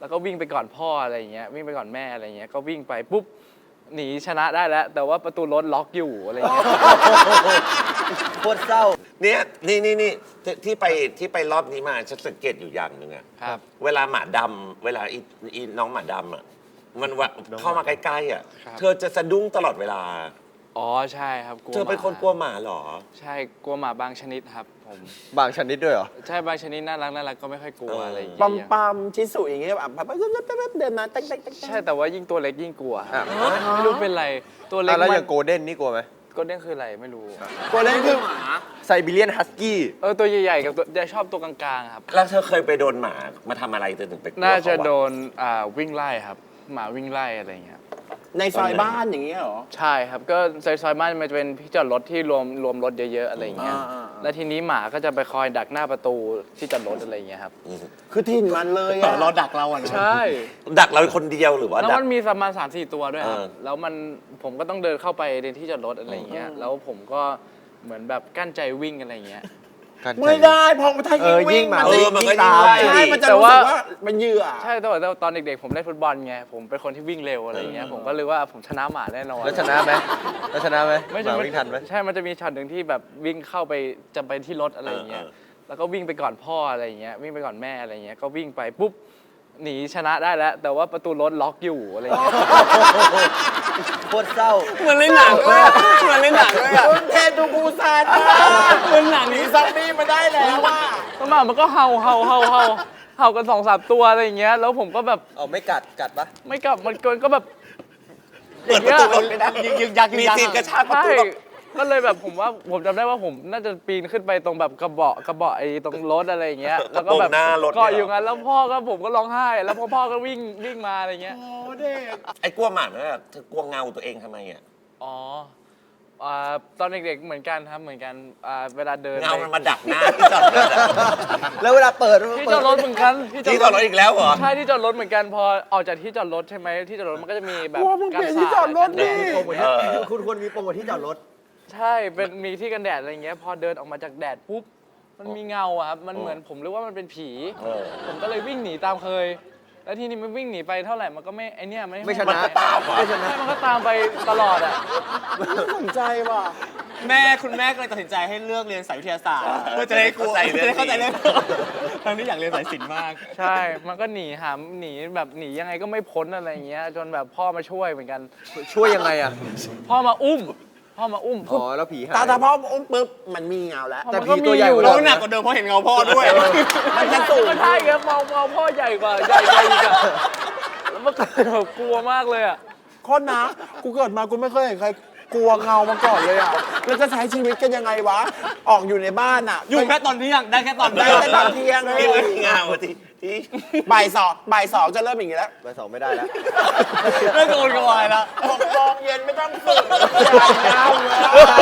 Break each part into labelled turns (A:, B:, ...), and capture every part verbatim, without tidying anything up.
A: แล้วก็วิ่งไปก่อนพ่ออะไรเงี้ยวิ่งไปก่อนแม่อะไรเงี้ยก็วิ่งไปปุ๊บหนีชนะได้แล้วแต่ว่าประตูรถล็อกอยู่อะไรเงี้ย
B: โคตรเศร้า
C: เนี่ยนี่นี่นี่ที่ไปที่ไปรอบนี้มาฉันสังเกตอยู่อย่างหนึ่งอะ
A: ครับ
C: เวลาหมาดำเวลาอีอีน้องหมาดำอะมันว่าเข้ามาใกล้ๆอะเธอจะสะดุ้งตลอดเวลา
A: อ๋อใช่ครับ
C: เธอเป็นคนกลัวหมาเหรอ
A: ใช่กลัวหมาบางชนิดครับผม
B: บางชนิดด้วยเหรอ
A: ใช่บางชนิดน่ารักน่ารักก็ไม่ค่อยกลัวอะไรอย่างเงี้ย
D: ปั๊มปั๊มชิสุอย่างเงี้ยแบบเดินมาเต๊กเต๊ก
A: ใช่แต่ว่ายิ่งตัวเล็กยิ่งกลัวไม่รู้เป็นไรตัวเล็ก
B: แล้วอย่างโกลเด้นนี่กลัวไหม
A: โกลเด้นคืออะไรไม่รู้
D: โกลเด้นคือหมา
B: ไซบีเรียนฮัสกี้
A: เออตัวใหญ่ๆกับตัวจะชอบตัวกลางๆครับ
C: แล้วเธอเคยไปโดนหมามาทำอะไรเธอถึงไปกลัว
A: น่าจะโดนอ่าวิ่งไล่ครับหมาวิ่งไล่อะไรอย่างเงี้ย
D: ในซอยบ้านอย่างเงี้ยเหรอ
A: ใช่ครับก็ซอยซอยบ้านมันจะเป็นที่จอดรถที่รวมรวมรถเยอะๆอะไรอย่างเงี้ยแล้วทีนี้หมาก็จะไปคอยดักหน้าประตูที่จอดรถอะไรอย่างเงี้ยครับ
D: คือถิ่นมันเลยอ่ะ
B: รอดักเราอ่ะ
A: ใช่
C: ดักเราคนเดียวหรือว่า
A: แล้วมันมีประมาณสามสี่ตัวด้วยครับแล้วมันผมก็ต้องเดินเข้าไปในที่จอดรถอะไรอย่างเงี้ยแล้วผมก็เหมือนแบบกั้นใจวิ่งอะไรอย่างเงี้ย
D: ไม่ได้พอถ้ายิ่งวิ่ง
C: มันจะยิ่งตาม
D: ใช่มันจะรู้สึกว่ามันเหยื่อ
A: ใช่แต่ว่าตอนเด็กๆผมเล่นฟุตบอลไงผมเป็นคนที่วิ่งเร็วอะไรอย่างเงี้ยผมก็เลยว่าผมชนะหมาแน่นอน
B: แล้วชนะไหมแล้วชนะไหม
A: ไม่
B: จะวิ่งทันไหม
A: ใช่มันจะมีช็อตหนึ่งที่แบบวิ่งเข้าไปจะไปที่รถอะไรอย่างเงี้ยแล้วก็วิ่งไปก่อนพ่ออะไรอย่างเงี้ยวิ่งไปก่อนแม่อะไรอย่างเงี้ยก็วิ่งไปปุ๊บหนีชนะได้แล้วแต่ว่าประตูรถล็อกอยู่อะไรอย่างเงี้ย
B: โคตรเศร้า
D: เหมือนในหนังเลยเหมือนในหนังเลยอ่ะคุณเทดูบูซานเหมือนหนังนี้ซอมบี้มาได้แล้วว่า
A: ก็มามันก็เห่าเห่าเห่าเห่าเห่ากันสองสามตัวอะไรอย่างเงี้ยแล้วผมก็แบบ
B: เอาไม่กัดกัดปะ
A: ไม่กัดมันเกินก็แบบ
C: เปิดประตูรถไม่ได้
A: ยึกยัก
C: มีซีนกระชากประตู
A: ก็เลยแบบผมว่าผมจำได้ว่าผมน่าจะปีนขึ้นไปตรงแบบกระเบาะกระเบาะไอ้ตรงรถอะไรอย่างเงี้ยแล้วก็แบบเกาะอยู่งั้นแล้วพ่อก็ผมก็ร้องไห้แล้วพ่อพ่อก็วิ่งวิ่งมาอะไรเงี้ย
D: โอ้เด็ก
C: ไอ้กลัวหมาเนี่ยเธอกลัวเงาตัวเองทำไมอ่ะ
A: อ๋อตอนเด็กๆเหมือนกันครับเหมือนกันเวลาเดิน
C: เงามันมาดักหน้าที่จอดรถ
B: แล้วเวลาเปิด
A: ที่จอดรถเหมือนกัน
C: ที่จอดรถอีกแล้วเหรอ
A: ใช่ที่จอดรถเหมือนกันพอออกจากที่จอดรถใช่ไหมที่จอดรถมันก็จะมีแบบ
D: การสาดที่จอดรถนี่
B: คุณควรมีโปรโมทที่จอดรถ
A: ใช่เป็นมีที่กันแดดอะไรเงี้ยพอเดินออกมาจากแดดปุ๊บมันมีเงาอะครับมันเหมือนผมรู้ว่ามันเป็นผีผมก็เลยวิ่งหนีตามเคยแล้วทีนี้มันวิ่งหนีไปเท่าไหร่มันก็ไม่ไอเนี้ยไม่
B: ไม่ชนะ
C: มันก็ตาม
A: ไม่ชนะมันก็ตามไปตลอดอ่ะ
D: ไม่สนใจว่ะ
E: แม่คุณแม่ก็เลยตัดสินใจให้เลือกเรียนสายวิทยาศาสตร์เพื่อจะได้กลัวจะได้เข้าใจเรื่องทั้งที่อยากเรียนสายศิลป์มาก
A: ใช่มันก็หนีหาหนีแบบหนียังไงก็ไม่พ้นอะไรเงี้ยจนแบบพ่อมาช่วยเหมือนกัน
B: ช่วยยังไงอ่ะ
A: พ่อมาอุ้มพ่อมาอุ้ม
B: อ๋อแล้วผีหาย
D: ตาตาพ่ออุ้มปุ๊บมันมีเงาแล้ว
A: แต่ผีตัวใหญ่
E: เราหนักกว่าเดิมเพราะเห็นเงาพ่อด้วย
A: มันจะสูงก็ใช่ครับมองมองพ่อใหญ่กว่าใหญ่ใหญ่กันแล้วมันกลัวมากเลยอ่ะ
D: คนนะกูเกิดมากูไม่เคยเห็นใครกลัวเงามาก่อนเลยอ่ะแล้วจะใช้ชีวิตกันยังไงวะออกอยู่ในบ้านอ่ะ
E: อยู่แค่ตอนเที่ยงได้แค่ตอน
D: ได้แค่ตอนเที่ยงเลย
C: เงาทีที่
D: บ่ายสองบ่ายสองจะเริ่มอย่างนี้แล้ว
B: บ่ายสองไม่ได้แล้ว
E: เริ่มโกนกวายแล้ว
D: หกโมงเย็นไม่ต้องฝึกเงาเลย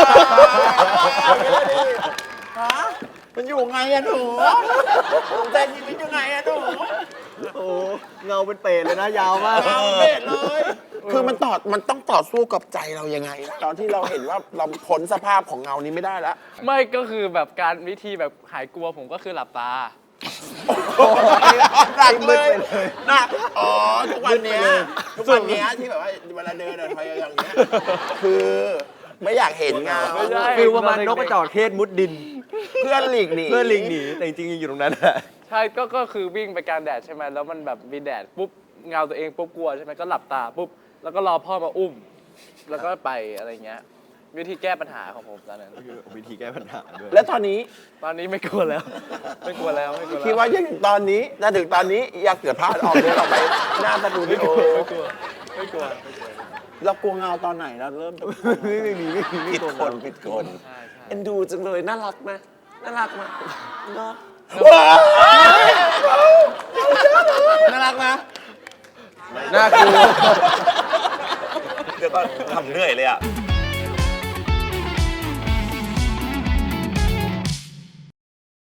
D: ฮะมันอยู่ไงอะหนูใจชีวิตอยู่ไงอะหนู
B: โอ้เงาเป็นเปรตเลยนะยาวมาก
D: เงาเปรตเลยคือมันต่อมันต้องต่อสู้กับใจเรายังไงตอนที่เราเห็นว่าเราพ้นสภาพของเงานี้ไม่ได้แล้ว
A: ไม่ก็คือแบบการวิธีแบบหายกลัวผมก็คือหลับตา
D: หนักเลยนะอ๋อทุกวันนี้ทุกวันนี้ที่แบบว่าเวลาเดินเดินไปอย่างเงี้ยคือไม่อยากเห็นเงา
B: คือว่ามันนกกระจอกเทศมุดดิน
D: เพื่อนหลีกหนี
B: เพื่อนหลีกหนีแต่จริงๆอยู่ตรงนั้น
A: ใช่ก็ก็คือวิ่งไปกลางแดดใช่ไหมแล้วมันแบบมีแดดปุ๊บเงาตัวเองปุ๊บกลัวใช่ไหมก็หลับตาปุ๊บแล้วก็รอพ่อมาอุ้มแล้วก็ไปอะไรเงี้ยวิธีแก้ปัญหาของผมตอนนั้น
B: วิธีแก้ปัญหาด้วย
D: แล้วตอนนี้
A: ตอนนี้ไม่กลัวแล้วไม่กลัวแล้วไม่กลัวแล้ว
D: คิดว่ายังตอนนี้ถ้าถึงตอนนี้อยากเกิดพลาดออกเดินออกไปหน้าสตูดิโอ
A: ไม่กลัวไม่กลัว
D: เรากลัวเงาตอนไหนเราเริ่ม
B: ไม่ไม่มีไม่มี
C: ผิดคนผิดคนเอ็นดูจังเลยน่ารักไหมน่ารักไหมเนาะ
E: น่ารักนะ
B: น่ากลัว
C: เดี๋ยวก็ทำเหนื่อยเลยอ่ะ